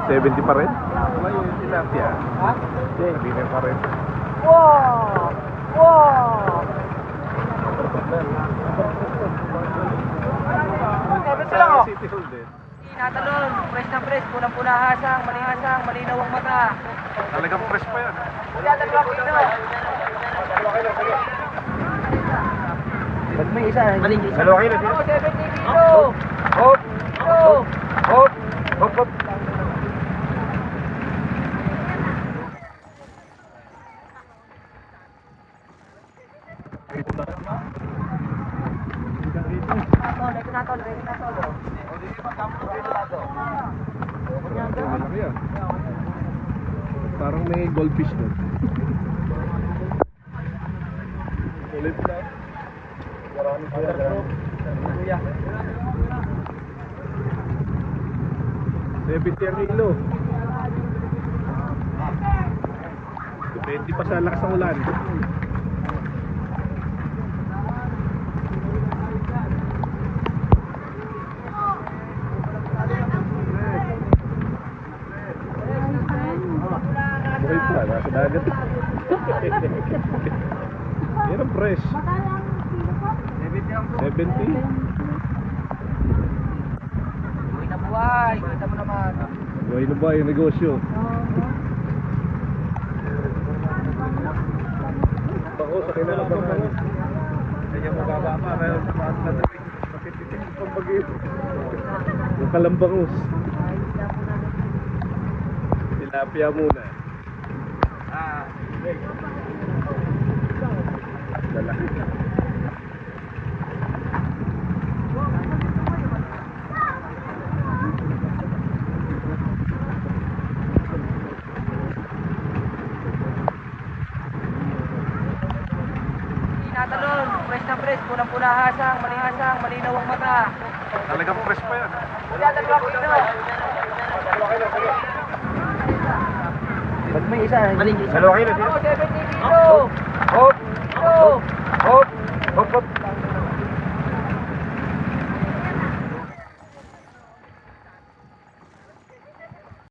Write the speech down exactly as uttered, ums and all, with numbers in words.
seventy pa rin? Wala yung tilapia. Ha? Hindi na pa rin. Wow! Wow! Sabi sila ko. City Hall din. Natalon, fresh na fresh, punang-puna hasang, malihasang, malinaw ang mata. Talagang fresh pa yan. Wala dalawa kilo. Ba't may isa? Maling isa. Dalawa kilo, Ako, seventy kilo. Hop! Kilo. Hop! Hop! Hop! Tol, ito na tol, ito na tol. Malaki yan. Parang may goldfish doon. Ulit na. Marami po yan. Kuya. seventy ang kilo. Depende pa sa lakas ng ulan. Buhay pa, nasa dagat. Yan ang fresh. seventy? Uy na buhay, kita mo naman. Buhay na ba yung negosyo? Bako sa kinalabangan. Kanya mababa pa, kaya tumaas na tawid. Makititin yung pambagyo. Yung kalambangus. Tilapia muna. Ah, Lalaki. natalon, fresh na fresh, punang-puna hasang, malihasang, malinaw ang mata. Talagang fresh pa yan. Wala dalawa kilo. Ba't may isa? Maling isa. Dalawa kilo, Ako, sino? seventy kilo. Hop! Kilo.